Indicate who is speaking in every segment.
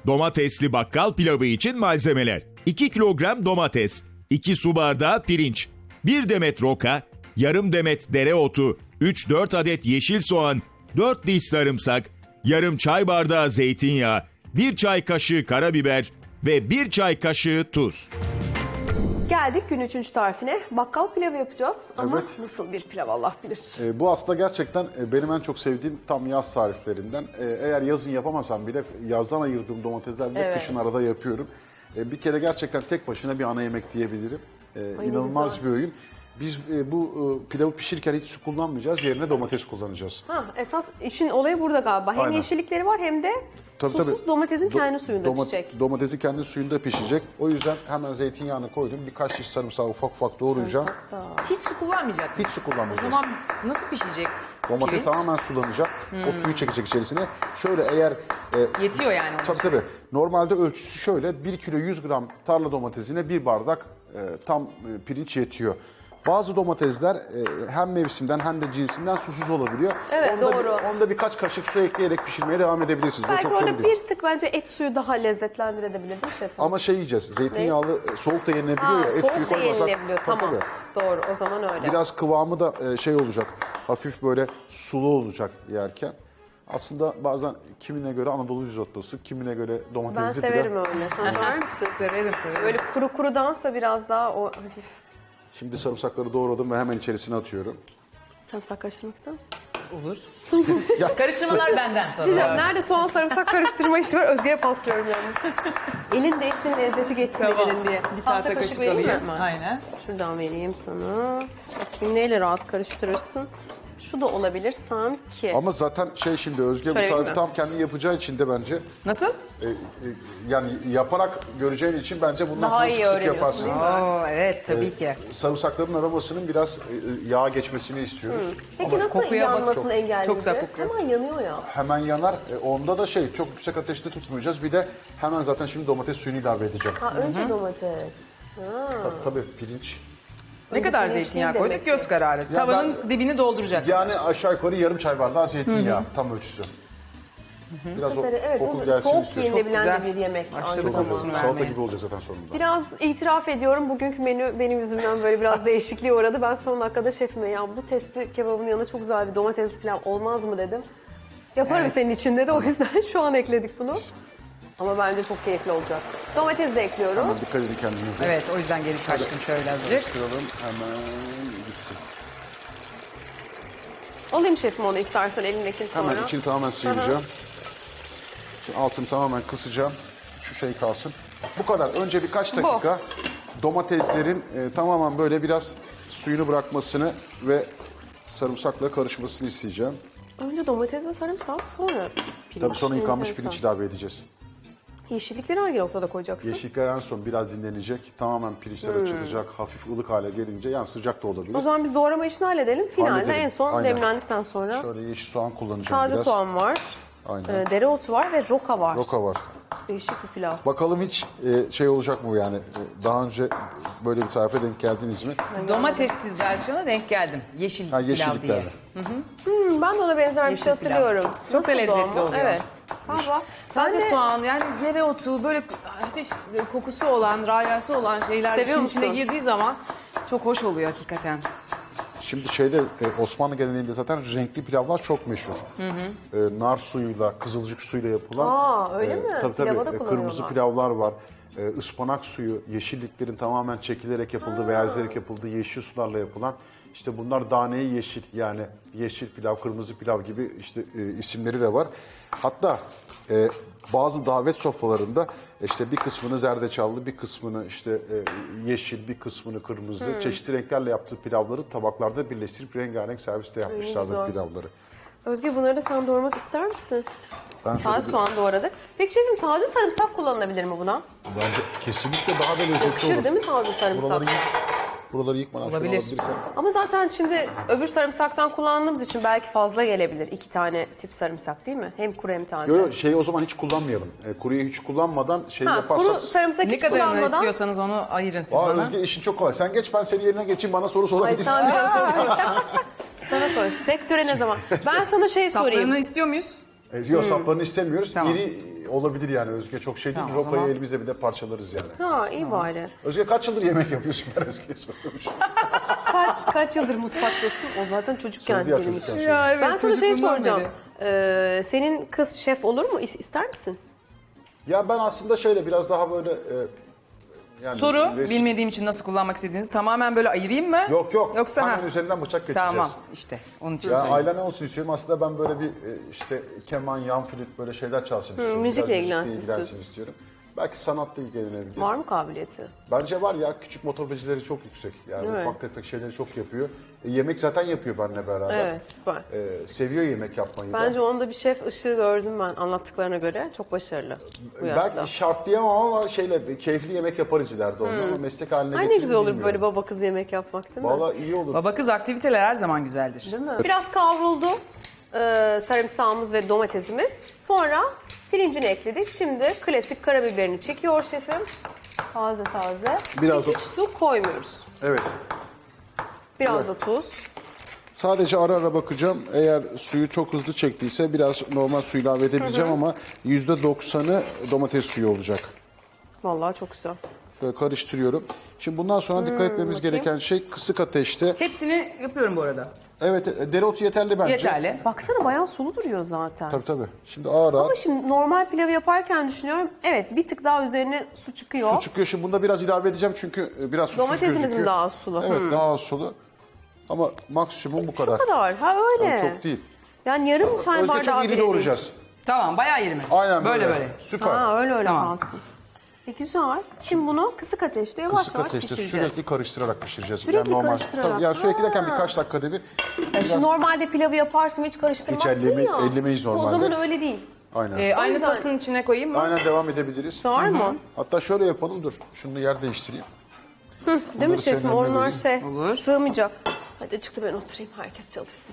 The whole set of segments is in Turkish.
Speaker 1: Domatesli bakkal pilavı için malzemeler: 2 kilogram domates, 2 su bardağı pirinç, 1 demet roka, yarım demet dereotu, 3-4 adet yeşil soğan, 4 diş sarımsak, yarım çay bardağı zeytinyağı, 1 çay kaşığı karabiber ve 1 çay kaşığı tuz.
Speaker 2: Geldik gün 3. tarifine. Bakkal pilavı yapacağız ama
Speaker 3: Evet.
Speaker 2: nasıl bir pilav Allah bilir.
Speaker 3: Bu aslında gerçekten benim en çok sevdiğim tam yaz tariflerinden. Eğer yazın yapamasam bile yazdan ayırdığım domateslerle
Speaker 2: Evet.
Speaker 3: kışın arada yapıyorum. Bir kere gerçekten tek başına bir ana yemek diyebilirim.
Speaker 2: Ay, ne
Speaker 3: İnanılmaz
Speaker 2: güzel.
Speaker 3: bir öğün. Biz bu pilavı pişirirken hiç su kullanmayacağız. Yerine domates kullanacağız.
Speaker 2: Ha, esas işin olayı burada galiba. Hem
Speaker 3: Aynen.
Speaker 2: yeşillikleri var hem de susuz domatesin kendi suyunda pişecek.
Speaker 3: Domatesi kendi suyunda pişecek. O yüzden hemen zeytinyağını koydum. Birkaç diş sarımsağı ufak ufak doğrayacağım.
Speaker 2: Sarımsak da.
Speaker 4: Hiç su kullanmayacak mıyız?
Speaker 3: Hiç su kullanmayacağız.
Speaker 4: O zaman nasıl pişecek?
Speaker 3: Domates
Speaker 4: pirinç?
Speaker 3: tamamen sulanacak. O suyu çekecek içerisine. Şöyle eğer
Speaker 4: Yetiyor yani.
Speaker 3: tabii tabii. Normalde ölçüsü şöyle: 1 kilo 100 gram tarla domatesine 1 bardak tam pirinç yetiyor. Bazı domatesler hem mevsimden hem de cinsinden susuz olabiliyor.
Speaker 2: Evet, doğru.
Speaker 3: Onda birkaç kaşık su ekleyerek pişirmeye devam edebilirsiniz. O
Speaker 2: Belki
Speaker 3: çok
Speaker 2: orada
Speaker 3: sorun değil.
Speaker 2: bir tık bence et suyu daha lezzetlendirebilir değil mi şefim?
Speaker 3: Ama şey yiyeceğiz, zeytinyağlı soğuk da yenilebiliyor ya. Et
Speaker 2: soğuk
Speaker 3: suyu
Speaker 2: da
Speaker 3: koymasak.
Speaker 2: yenilebiliyor.
Speaker 3: Tabii,
Speaker 2: Tamam.
Speaker 3: tabii.
Speaker 2: Doğru, o zaman öyle.
Speaker 3: Biraz kıvamı da şey olacak, hafif böyle sulu olacak yerken. Aslında bazen kimine göre Anadolu risottosu, kimine göre
Speaker 2: Ben
Speaker 3: domatesli
Speaker 2: severim
Speaker 3: pilav.
Speaker 2: öyle. Sen sever misin?
Speaker 4: Severim.
Speaker 2: Böyle kuru kurudansa biraz daha o hafif.
Speaker 3: Şimdi sarımsakları doğradım ve hemen içerisine atıyorum.
Speaker 2: Sarımsak karıştırmak ister misin?
Speaker 4: Olur.
Speaker 3: Ya,
Speaker 4: Karıştırmalar benden
Speaker 2: Bir şey diyeceğim,
Speaker 4: sonra.
Speaker 2: nerede soğan sarımsak karıştırma işi var? Özge'ye paslıyorum yalnız. Elin değsin, lezzeti geçsin elin diye.
Speaker 4: Bir
Speaker 2: Tahta
Speaker 4: tahta
Speaker 2: kaşık
Speaker 4: kaşık
Speaker 2: vereyim mi?
Speaker 4: alayım. Aynen.
Speaker 2: Şuradan vereyim sana. Bakayım neyle rahat karıştırırsın. Şu da olabilir sanki.
Speaker 3: ama zaten şey, şimdi Özge bu
Speaker 2: Şöyle
Speaker 3: tarifi
Speaker 2: mi?
Speaker 3: tam kendi yapacağı için de bence
Speaker 4: Nasıl?
Speaker 3: yani yaparak göreceğin için bence bundan
Speaker 2: Daha
Speaker 3: sonra
Speaker 2: iyi
Speaker 3: sık sık
Speaker 2: öğreniyorsun,
Speaker 3: yaparsın.
Speaker 2: değil mi?
Speaker 4: Oo, evet tabii ki.
Speaker 3: Sarımsakların aromasının biraz yağa geçmesini istiyoruz.
Speaker 2: Peki nasıl
Speaker 4: kokuya bak,
Speaker 2: yanmasını
Speaker 4: çok-
Speaker 2: engelleyeceğiz?
Speaker 4: çok güzel kokuyor.
Speaker 2: Hemen yanıyor ya.
Speaker 3: Hemen yanar. Onda da şey, çok yüksek ateşte tutmayacağız. Bir de hemen zaten şimdi domates suyunu ilave edeceğim.
Speaker 2: Ha, önce domates.
Speaker 3: Tabii pirinç.
Speaker 4: Ne kadar
Speaker 2: pirinç
Speaker 4: zeytinyağı
Speaker 2: değil
Speaker 4: koyduk?
Speaker 2: demek
Speaker 4: Göz kararı.
Speaker 3: Ya
Speaker 4: Tavanın dibini dolduracak.
Speaker 3: Yani aşağı yukarı yarım çay bardağı zeytinyağı tam ölçüsü. Biraz o
Speaker 2: Evet,
Speaker 3: koku
Speaker 2: bu
Speaker 3: gelsin
Speaker 2: soğuk
Speaker 3: istiyoruz.
Speaker 2: yenilebilen de
Speaker 4: güzel.
Speaker 2: bir yemek
Speaker 4: Başladı
Speaker 2: aynı
Speaker 3: Çok
Speaker 4: kokusunu
Speaker 2: zamanda.
Speaker 3: güzel. Salata
Speaker 4: vermeye.
Speaker 3: gibi olacak zaten sonunda.
Speaker 2: Biraz itiraf ediyorum, bugünkü menü benim yüzümden böyle biraz değişikliğe uğradı. Ben son dakikada şefime ya bu testi kebabın yanına çok güzel bir domatesli pilav olmaz mı dedim. Yaparım
Speaker 4: Evet.
Speaker 2: senin için dedi, o yüzden şu an ekledik bunu. Ama bence çok keyifli olacak. Domates de ekliyorum.
Speaker 3: Hemen dikkat edin kendinize.
Speaker 4: Evet o yüzden geri kaçtım şöyle azıcık.
Speaker 3: Karıştıralım hemen gitsin.
Speaker 2: Alayım şefim onu istersen elindekini sonra.
Speaker 3: Hemen içini tamamen sıyıracağım. Şimdi altını tamamen kısacağım. Şu şey kalsın. Bu kadar. Önce birkaç dakika domateslerin tamamen böyle biraz suyunu bırakmasını ve sarımsakla karışmasını isteyeceğim.
Speaker 2: Önce domatesle sarımsak, sonra pirinç.
Speaker 3: Tabii sonra yıkanmış
Speaker 2: Enteresan.
Speaker 3: pirinç ilave edeceğiz.
Speaker 2: Yeşillikleri hangi noktada koyacaksın?
Speaker 3: Yeşillikler en son biraz dinlenecek. Tamamen pirinçler açılacak. Hafif ılık hale gelince, yani sıcak da olabilir.
Speaker 2: O zaman biz doğrama işini halledelim. Finalde
Speaker 3: Halledelim.
Speaker 2: en son
Speaker 3: Aynen.
Speaker 2: demlendikten sonra
Speaker 3: Şöyle yeşil soğan kullanacağım
Speaker 2: taze
Speaker 3: biraz.
Speaker 2: soğan var.
Speaker 3: Aynen.
Speaker 2: Dereotu var ve roka var.
Speaker 3: Roka var.
Speaker 2: Değişik bir pilav.
Speaker 3: Bakalım hiç şey olacak mı yani? Daha önce böyle bir tarife denk geldiniz mi?
Speaker 4: Domatessiz versiyona denk geldim. Yeşil
Speaker 3: Ha,
Speaker 4: pilav
Speaker 3: yeşilliklerle.
Speaker 4: diye.
Speaker 2: Ben de ona benzer bir şey
Speaker 4: Yeşil pilav.
Speaker 2: hatırlıyorum.
Speaker 4: Çok da
Speaker 2: Nasıldı o
Speaker 4: lezzetli
Speaker 2: ama?
Speaker 4: oluyor.
Speaker 2: Evet. Galiba. Ben
Speaker 4: Taze
Speaker 2: de
Speaker 4: soğan yani dereotu böyle hafif kokusu olan, rayası olan şeyler
Speaker 2: Seviyor
Speaker 4: işin içine
Speaker 2: musun?
Speaker 4: girdiği zaman çok hoş oluyor hakikaten.
Speaker 3: Şimdi şeyde Osmanlı geleneğinde zaten renkli pilavlar çok meşhur. Nar suyuyla, kızılcık suyuyla yapılan.
Speaker 2: öyle mi?
Speaker 3: Tabii
Speaker 2: Pilava da
Speaker 3: tabii. Kırmızı
Speaker 2: kullanıyorlar.
Speaker 3: pilavlar var. Ispanak suyu, yeşilliklerin tamamen çekilerek yapıldığı, beyazlayarak yapıldığı yeşil sularla yapılan. İşte bunlar daneyi yeşil, yani yeşil pilav, kırmızı pilav gibi işte isimleri de var. Hatta bazı davet sofralarında işte bir kısmını zerdeçallı, bir kısmını işte yeşil, bir kısmını kırmızı, çeşitli renklerle yaptığı pilavları tabaklarda birleştirip rengarenk serviste yapmışlardı
Speaker 2: güzel.
Speaker 3: pilavları.
Speaker 2: Özge, bunları da sen doğramak ister misin?
Speaker 3: Ben şöyle
Speaker 2: Taze soğan doğradık. Peki şefim, taze sarımsak kullanılabilir mi buna?
Speaker 3: bence kesinlikle daha da lezzetli
Speaker 2: Yakışır
Speaker 3: olur.
Speaker 2: değil mi taze sarımsak?
Speaker 3: Buraları yıkmadan şöyle
Speaker 4: Olabilir.
Speaker 3: alabilirsen.
Speaker 2: Ama zaten şimdi öbür sarımsaktan kullandığımız için belki fazla gelebilir. 2 tane tip sarımsak değil mi? Hem kuru hem taze.
Speaker 3: Yok yok, şeyi o zaman hiç kullanmayalım. Kuruyu hiç kullanmadan şey
Speaker 2: Ha,
Speaker 3: yaparsak...
Speaker 2: kuru sarımsak
Speaker 4: Ne
Speaker 2: hiç
Speaker 4: kadarını
Speaker 2: kullanmadan.
Speaker 4: istiyorsanız onu ayırın siz
Speaker 3: Aa,
Speaker 4: bana.
Speaker 3: Özge, işin çok kolay. Sen geç, ben senin yerine geçeyim, bana soru
Speaker 2: Ay
Speaker 3: sorabilirsin.
Speaker 2: sen biraz sana sor. Sana sor. Sektöre ne zaman? Ben sana şey sorayım.
Speaker 4: Saplarını istiyor muyuz?
Speaker 3: Yok saplarını istemiyoruz.
Speaker 4: Tamam.
Speaker 3: İri olabilir yani Özge, çok şey değil.
Speaker 4: Tamam, o
Speaker 3: Rokayı
Speaker 4: zaman.
Speaker 3: elimizle bir de parçalarız yani.
Speaker 2: Ha iyi bari.
Speaker 3: Özge kaç yıldır yemek yapıyorsun, ben Özge'ye soruyormuşum.
Speaker 2: Kaç yıldır mutfaktasın? O zaten çocukken
Speaker 3: Söyledi ya,
Speaker 2: benim
Speaker 3: çocukken
Speaker 2: için.
Speaker 3: söyledi.
Speaker 4: Ya evet,
Speaker 2: Ben sana şey
Speaker 4: çocukluğumdan
Speaker 2: soracağım.
Speaker 4: beri.
Speaker 2: Senin kız şef olur mu? İster misin?
Speaker 3: Ya ben aslında şöyle biraz daha böyle yani
Speaker 4: Soru,
Speaker 3: resim-
Speaker 4: bilmediğim için nasıl kullanmak istediğinizi tamamen böyle ayırayım mı?
Speaker 3: Yok
Speaker 4: Yoksa
Speaker 3: hemen
Speaker 4: ha.
Speaker 3: üzerinden bıçak geçeceğiz.
Speaker 4: Tamam işte onun için
Speaker 3: Ya
Speaker 4: söyleyeyim.
Speaker 3: aile ne olsun istiyorum? Aslında ben böyle bir işte keman, yan flüt böyle şeyler çalsın istiyorum.
Speaker 2: müzikle
Speaker 3: Biraz
Speaker 2: ilgilensin
Speaker 3: ilgilensin istiyorum. Belki sanatla ilgilenebilir.
Speaker 2: Var mı kabiliyeti?
Speaker 3: Bence var ya, küçük motorbecileri çok yüksek. Yani
Speaker 2: Değil mi?
Speaker 3: ufak tefek şeyleri çok yapıyor. Yemek zaten yapıyor benimle beraber.
Speaker 2: Evet süper.
Speaker 3: Seviyor yemek yapmayı da.
Speaker 2: Bence onda bir şef ışığı gördüm ben anlattıklarına göre. Çok başarılı bu yaşta.
Speaker 3: Belki şart diyemem ama şeyle keyifli yemek yaparız ileride onunla ama meslek haline
Speaker 2: Ay ne
Speaker 3: getirir
Speaker 2: güzel olur
Speaker 3: bilmiyorum.
Speaker 2: böyle baba kız yemek yapmak değil mi?
Speaker 3: Vallahi iyi olur.
Speaker 4: Baba kız aktiviteler her zaman güzeldir.
Speaker 2: Değil mi? Biraz kavruldu sarımsağımız ve domatesimiz. Sonra pirincini ekledik. Şimdi klasik karabiberini çekiyor şefim. Taze taze.
Speaker 3: Biraz
Speaker 2: Hiç
Speaker 3: da-
Speaker 2: su koymuyoruz.
Speaker 3: Evet.
Speaker 2: Biraz da tuz.
Speaker 3: Sadece ara ara bakacağım. Eğer suyu çok hızlı çektiyse biraz normal su ilave edebileceğim ama %90'ı domates suyu olacak.
Speaker 2: Vallahi çok güzel.
Speaker 3: Böyle karıştırıyorum. Şimdi bundan sonra dikkat etmemiz
Speaker 2: bakayım.
Speaker 3: gereken şey kısık ateşte.
Speaker 4: Hepsini yapıyorum bu arada.
Speaker 3: Evet, dereotu yeterli bence.
Speaker 4: Yeterli.
Speaker 2: Baksana bayağı sulu duruyor zaten.
Speaker 3: Tabii. Şimdi ağır ağır
Speaker 2: Ama şimdi normal pilavı yaparken düşünüyorum. Evet bir tık daha üzerine su çıkıyor.
Speaker 3: su çıkıyor. Şimdi bunda biraz ilave edeceğim çünkü biraz susuz
Speaker 2: Domatesimiz
Speaker 3: gözüküyor.
Speaker 2: mi daha sulu?
Speaker 3: Evet, daha az sulu. Ama maksimum bu
Speaker 2: Şu
Speaker 3: kadar.
Speaker 2: kadar. Ha öyle.
Speaker 3: Yani çok değil.
Speaker 2: Yani yarım çay
Speaker 3: Özge
Speaker 2: bardağı
Speaker 3: çok
Speaker 2: bile
Speaker 3: iri
Speaker 2: değil.
Speaker 3: doğrayacağız.
Speaker 4: Tamam bayağı iyi mi?
Speaker 3: Aynen
Speaker 4: böyle.
Speaker 3: Süper.
Speaker 2: Ha öyle
Speaker 4: Tamam.
Speaker 2: kalsın. Güzel. Şimdi bunu kısık ateşte yavaş
Speaker 3: Kısık
Speaker 2: yavaş
Speaker 3: ateşte
Speaker 2: pişireceğiz.
Speaker 3: sürekli karıştırarak pişireceğiz.
Speaker 2: Sürekli karıştırarak.
Speaker 3: Tabii, yani sürekli derken
Speaker 2: Ha.
Speaker 3: birkaç dakikada bir.
Speaker 2: Şimdi normalde pilavı yaparsın hiç karıştırmazsın
Speaker 3: Hiç
Speaker 2: ya.
Speaker 3: ellemeyiz normalde.
Speaker 2: O zaman öyle değil.
Speaker 3: Aynen.
Speaker 4: Aynı
Speaker 2: yüzden-
Speaker 4: tasın içine koyayım mı?
Speaker 3: Aynen devam edebiliriz.
Speaker 2: Sığar mı?
Speaker 3: Hatta şöyle yapalım, dur. Şunu yer değiştireyim.
Speaker 2: Değil mi
Speaker 3: Bunları
Speaker 2: şefim?
Speaker 3: senin önüne
Speaker 2: Onlar
Speaker 3: vereyim.
Speaker 4: Olur.
Speaker 2: sığmayacak. Hadi çıktı ben oturayım herkes çalışsın.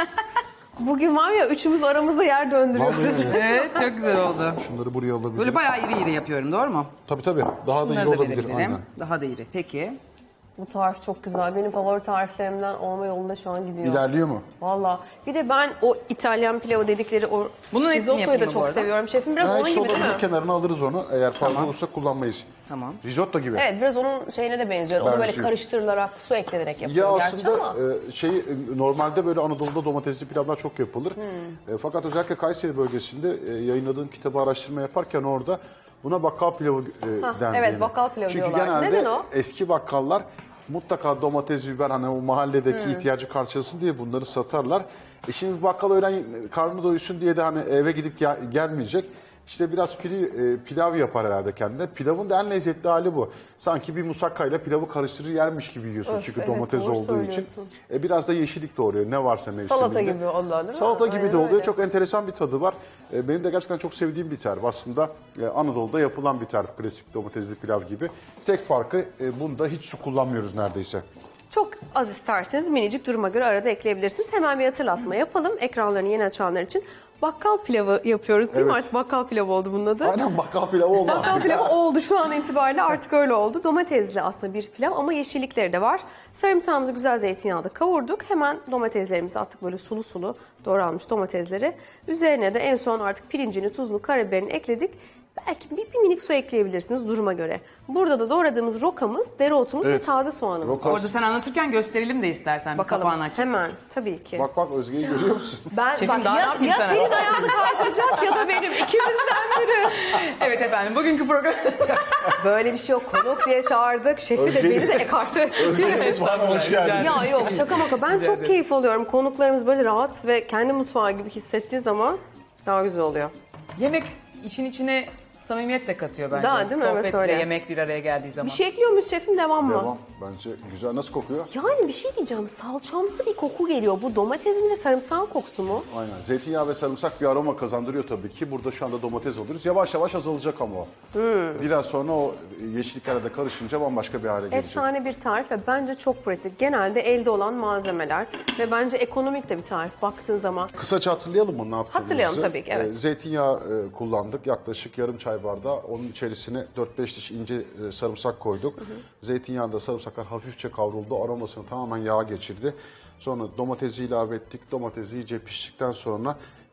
Speaker 2: Bugün var ya üçümüz aramızda yer döndürüyoruz.
Speaker 3: Vallahi
Speaker 4: Evet çok güzel oldu.
Speaker 3: Şunları buraya alabilirim.
Speaker 4: Böyle bayağı iri iri yapıyorum doğru mu?
Speaker 3: Tabii. Daha da iyi
Speaker 4: Bunları da
Speaker 3: olabilir.
Speaker 4: verebilirim.
Speaker 3: Aynen.
Speaker 4: Daha da iri. Peki.
Speaker 2: Bu tarif çok güzel. Benim favori tariflerimden olma yolunda şu an gidiyor.
Speaker 3: İlerliyor mu?
Speaker 2: Valla. Bir de ben o İtalyan pilavı dedikleri o
Speaker 4: Bunun hepsini
Speaker 2: risottoyu
Speaker 4: yapayım
Speaker 2: da
Speaker 4: mı bu
Speaker 2: çok
Speaker 4: arada?
Speaker 2: seviyorum. Şefim biraz
Speaker 3: Ha,
Speaker 2: onun
Speaker 3: hiç
Speaker 2: gibi değil
Speaker 3: sodanın
Speaker 2: mi?
Speaker 3: kenarına alırız onu. Eğer fazla olursa kullanmayız.
Speaker 4: Tamam.
Speaker 3: Risotto gibi.
Speaker 2: Evet biraz onun şeyine de benziyor. Onu böyle
Speaker 3: Benziyor.
Speaker 2: karıştırılarak su eklenerek
Speaker 3: Ya
Speaker 2: yapıyor gerçi
Speaker 3: aslında
Speaker 2: ama.
Speaker 3: normalde böyle Anadolu'da domatesli pilavlar çok yapılır. Fakat özellikle Kayseri bölgesinde yayınladığım kitabı araştırma yaparken orada buna bakkal pilavı dendiğini.
Speaker 2: evet, bakkal pilavı
Speaker 3: Çünkü
Speaker 2: diyorlar.
Speaker 3: genelde
Speaker 2: Neden o?
Speaker 3: eski bakkallar mutlaka domates, biber hani o mahalledeki ihtiyacı karşılasın diye bunları satarlar. Şimdi bakkal öğlen karnı doysun diye de hani eve gidip gelmeyecek. İşte biraz pilav yapar herhalde kendine. Pilavın da en lezzetli hali bu. Sanki bir musakkayla pilavı karıştırır yermiş gibi yiyorsun
Speaker 2: Öf,
Speaker 3: çünkü
Speaker 2: evet,
Speaker 3: domates
Speaker 2: doğru
Speaker 3: olduğu için.
Speaker 2: söylüyorsun.
Speaker 3: Biraz da yeşillik doğruyor ne varsa mevsiminde.
Speaker 2: Salata gibi oluyor değil mi?
Speaker 3: Salata gibi
Speaker 2: Aynen
Speaker 3: de oluyor.
Speaker 2: öyle.
Speaker 3: Çok enteresan bir tadı var. Benim de gerçekten çok sevdiğim bir tarif. Aslında Anadolu'da yapılan bir tarif. Klasik domatesli pilav gibi. Tek farkı bunda hiç su kullanmıyoruz neredeyse.
Speaker 2: Çok az isterseniz minicik duruma göre arada ekleyebilirsiniz. Hemen bir hatırlatma yapalım. Ekranlarını yeni açanlar için. Bakkal pilavı yapıyoruz değil mi?
Speaker 3: Evet.
Speaker 2: Artık bakkal pilavı oldu bunun adı.
Speaker 3: Aynen bakkal pilavı oldu
Speaker 2: Bakkal
Speaker 3: artık.
Speaker 2: pilavı oldu şu an itibariyle artık öyle oldu. Domatesli aslında bir pilav ama yeşillikleri de var. Sarımsağımızı güzel zeytinyağda kavurduk. Hemen domateslerimizi attık böyle sulu sulu doğranmış domatesleri. Üzerine de en son artık pirincini, tuzunu, karabiberini ekledik. Belki bir minik su ekleyebilirsiniz duruma göre. Burada da doğradığımız rokamız, dereotumuz ve
Speaker 3: Evet.
Speaker 2: taze soğanımız
Speaker 3: Roka-
Speaker 2: var.
Speaker 4: Orada sen anlatırken gösterelim de istersen.
Speaker 2: Bakalım
Speaker 4: Bir kapağını açıp.
Speaker 2: hemen tabii ki.
Speaker 3: Bak Özge'yi görüyor musun?
Speaker 2: Ben
Speaker 4: Şefim, daha ne
Speaker 2: ya,
Speaker 4: yapayım
Speaker 2: ya
Speaker 4: sana?
Speaker 2: senin ayağını kaydıracak ya da benim ikimizden biri.
Speaker 4: Evet efendim bugünkü program.
Speaker 2: Böyle bir şey yok. Konuk diye çağırdık. Şefi de beni de ekarte etti.
Speaker 3: Özge'nin mutfağına hoş geldin.
Speaker 2: Ya yok şaka maka. Ben çok keyif alıyorum. Konuklarımız böyle rahat ve kendi mutfağı gibi hissettiği zaman daha güzel oluyor.
Speaker 4: Yemek işin içine samimiyet de katıyor bence.
Speaker 2: Daha değil mi? Evet,
Speaker 4: Sohbetle
Speaker 2: öyle.
Speaker 4: yemek bir araya geldiği zaman.
Speaker 2: Bir şey ekliyor muyuz şefim? Devam mı?
Speaker 3: Devam. Bence güzel. Nasıl kokuyor?
Speaker 2: Yani bir şey diyeceğim. Salçamsı bir koku geliyor. Bu domatesin ve sarımsağın kokusu mu?
Speaker 3: Aynen. Zeytinyağı ve sarımsak bir aroma kazandırıyor tabii ki. Burada şu anda domates alıyoruz. Yavaş yavaş azalacak ama o. Biraz sonra o yeşilliklerle de karışınca bambaşka bir hale gelecek.
Speaker 2: Efsane bir tarif ve bence çok pratik. Genelde elde olan malzemeler ve bence ekonomik de bir tarif baktığın zaman.
Speaker 3: Kısaca hatırlayalım mı ne yaptığımızı?
Speaker 2: Hatırlayalım tabii ki, evet.
Speaker 3: Zeytinyağı kullandık. Yaklaşık yarım çay bardağı. Onun içerisine 4-5 diş ince sarımsak koyduk. Zeytinyağında sarımsaklar hafifçe kavruldu. Aromasını tamamen yağa geçirdi. Sonra domatesi ilave ettik. Domates iyice piştikten sonra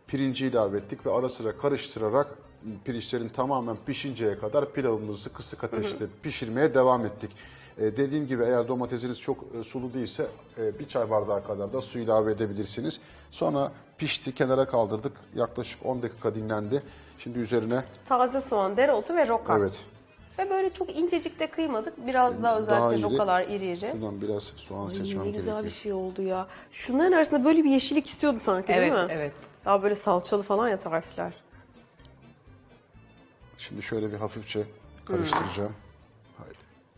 Speaker 3: Pirinci ilave ettik ve ara sıra karıştırarak pirinçlerin tamamen pişinceye kadar pilavımızı kısık ateşte pişirmeye devam ettik. Dediğim gibi eğer domatesiniz çok sulu değilse bir çay bardağı kadar da su ilave edebilirsiniz. Sonra pişti, kenara kaldırdık. Yaklaşık 10 dakika dinlendi. Şimdi üzerine
Speaker 2: Taze soğan, dereotu ve roka.
Speaker 3: evet
Speaker 2: Ve böyle çok incecik de kıymadık. Biraz daha özellikle
Speaker 3: iri.
Speaker 2: rokalar iri iri.
Speaker 3: Şuradan biraz soğan
Speaker 2: Ay,
Speaker 3: seçmem
Speaker 2: ne güzel
Speaker 3: gerekiyor.
Speaker 2: bir şey oldu ya. Şunların arasında böyle bir yeşillik istiyordu sanki değil mi?
Speaker 4: Evet, evet.
Speaker 2: Daha böyle salçalı falan ya tarifler.
Speaker 3: Şimdi şöyle bir hafifçe karıştıracağım. Haydi.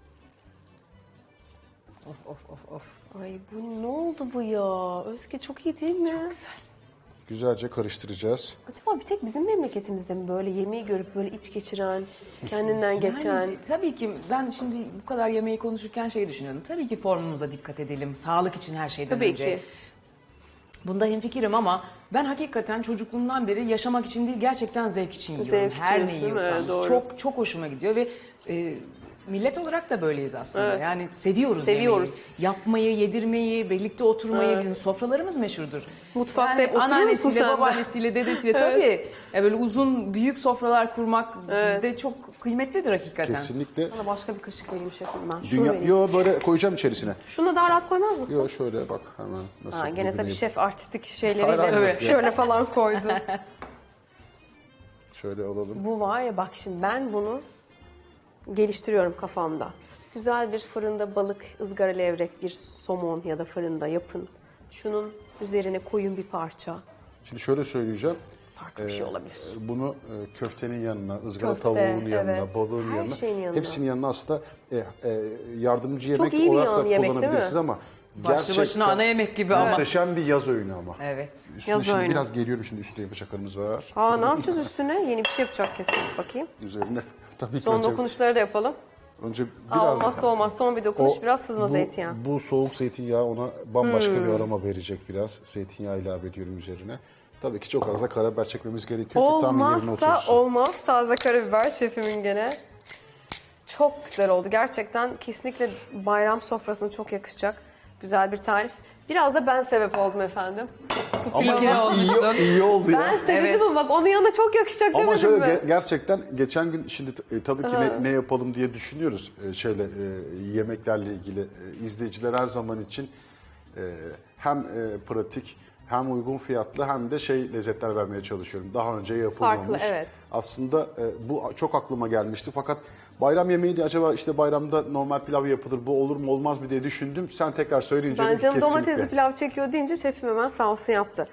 Speaker 2: Ay bu ne oldu bu ya? Özge çok iyi değil mi? Çok güzel.
Speaker 3: Güzelce karıştıracağız.
Speaker 2: Acaba bir tek bizim memleketimizde mi böyle yemeği görüp böyle iç geçiren, kendinden geçen?
Speaker 4: Yani tabii ki ben şimdi bu kadar yemeği konuşurken şeyi düşünüyorum. Tabii ki formumuza dikkat edelim. Sağlık için her şeyden
Speaker 2: Tabii
Speaker 4: önce.
Speaker 2: ki.
Speaker 4: Bunda hemfikirim ama ben hakikaten çocukluğumdan beri yaşamak için değil gerçekten zevk için yiyorum.
Speaker 2: Zevk için
Speaker 4: Her ne
Speaker 2: yiyorsun, değil mi?
Speaker 4: yiyorsam.
Speaker 2: Evet, doğru.
Speaker 4: Çok çok hoşuma gidiyor ve millet olarak da böyleyiz aslında.
Speaker 2: Evet.
Speaker 4: Yani seviyoruz
Speaker 2: Seviyoruz.
Speaker 4: yemeği. Yapmayı, yedirmeyi, birlikte oturmayı. Bizim sofralarımız meşhurdur.
Speaker 2: Mutfakta hep oturur musun
Speaker 4: anneannesiyle,
Speaker 2: sen de?
Speaker 4: babaannesiyle, dedesiyle tabii. Ya böyle uzun, büyük sofralar kurmak bizde çok kıymetlidir hakikaten.
Speaker 3: Kesinlikle.
Speaker 2: Bana başka bir kaşık vereyim şefim ben. Şunu
Speaker 3: Dünya,
Speaker 2: vereyim.
Speaker 3: yo böyle koyacağım içerisine.
Speaker 2: Şunu daha rahat koymaz mısın?
Speaker 3: Yo şöyle bak hemen nasıl.
Speaker 2: Ha, gene tabii
Speaker 3: dibine-
Speaker 2: şef artistik
Speaker 3: Hayır,
Speaker 2: şeyleriyle
Speaker 3: hayır.
Speaker 2: şöyle falan koydu.
Speaker 3: Şöyle alalım.
Speaker 2: Bu var ya bak şimdi ben bunu geliştiriyorum kafamda. Güzel bir fırında balık, ızgara levrek, bir somon ya da fırında yapın. Şunun üzerine koyun bir parça.
Speaker 3: Şimdi şöyle söyleyeceğim.
Speaker 2: Farklı bir şey olabilir.
Speaker 3: Bunu köftenin yanına, ızgara
Speaker 2: Köfte,
Speaker 3: tavuğunun yanına,
Speaker 2: evet.
Speaker 3: balığın
Speaker 2: Her
Speaker 3: yanına,
Speaker 2: şeyin yanına.
Speaker 3: hepsinin yanına aslında yardımcı yemek
Speaker 2: iyi bir
Speaker 3: olarak da
Speaker 2: yemek, değil mi?
Speaker 3: kullanabilirsiniz ama
Speaker 4: Başlı başına ana yemek gibi ama.
Speaker 3: muhteşem bir yaz öğünü ama.
Speaker 4: Evet.
Speaker 3: Üstüne
Speaker 2: Yaz
Speaker 3: şimdi
Speaker 2: öğünü.
Speaker 3: biraz geliyorum şimdi üstüne bıçaklarımız var.
Speaker 2: Aa ne yapacağız üstüne? Yeni bir şey yapacak kesin. Bakayım.
Speaker 3: Üzerine tabii ki
Speaker 2: Son
Speaker 3: önce,
Speaker 2: dokunuşları da yapalım.
Speaker 3: önce
Speaker 2: Aa,
Speaker 3: biraz
Speaker 2: olmazsa olmaz. Son bir dokunuş biraz sızma zeytinyağı.
Speaker 3: Bu soğuk zeytinyağı ona bambaşka bir aroma verecek biraz. Zeytinyağı ilave ediyorum üzerine. Tabii ki çok az da karabiber çekmemiz gerekiyor ki tam yerine
Speaker 2: Olmazsa
Speaker 3: otursun.
Speaker 2: olmaz. Taze karabiber şefimin gene. Çok güzel oldu. Gerçekten kesinlikle bayram sofrasına çok yakışacak. Güzel bir tarif. Biraz da ben sebep oldum efendim.
Speaker 4: İyi ki olmuşsun.
Speaker 3: iyi oldu ya.
Speaker 2: Ben sevindim
Speaker 4: Evet.
Speaker 2: ama bak onun yanına çok yakışacak
Speaker 3: Ama
Speaker 2: demedim
Speaker 3: şöyle
Speaker 2: mi?
Speaker 3: gerçekten geçen gün şimdi tabii ki ne yapalım diye düşünüyoruz yemeklerle ilgili. İzleyiciler her zaman için hem pratik hem uygun fiyatlı hem de lezzetler vermeye çalışıyorum. Daha önce yapılmamış.
Speaker 2: Farklı, evet.
Speaker 3: Aslında bu çok aklıma gelmişti fakat bayram yemeği de acaba işte bayramda normal pilav yapılır bu olur mu olmaz mı diye düşündüm. Sen tekrar söyleyince
Speaker 2: Ben
Speaker 3: dedim ki
Speaker 2: canım
Speaker 3: kesinlikle.
Speaker 2: domatesli pilav çekiyor deyince şefim hemen sağ olsun yaptı.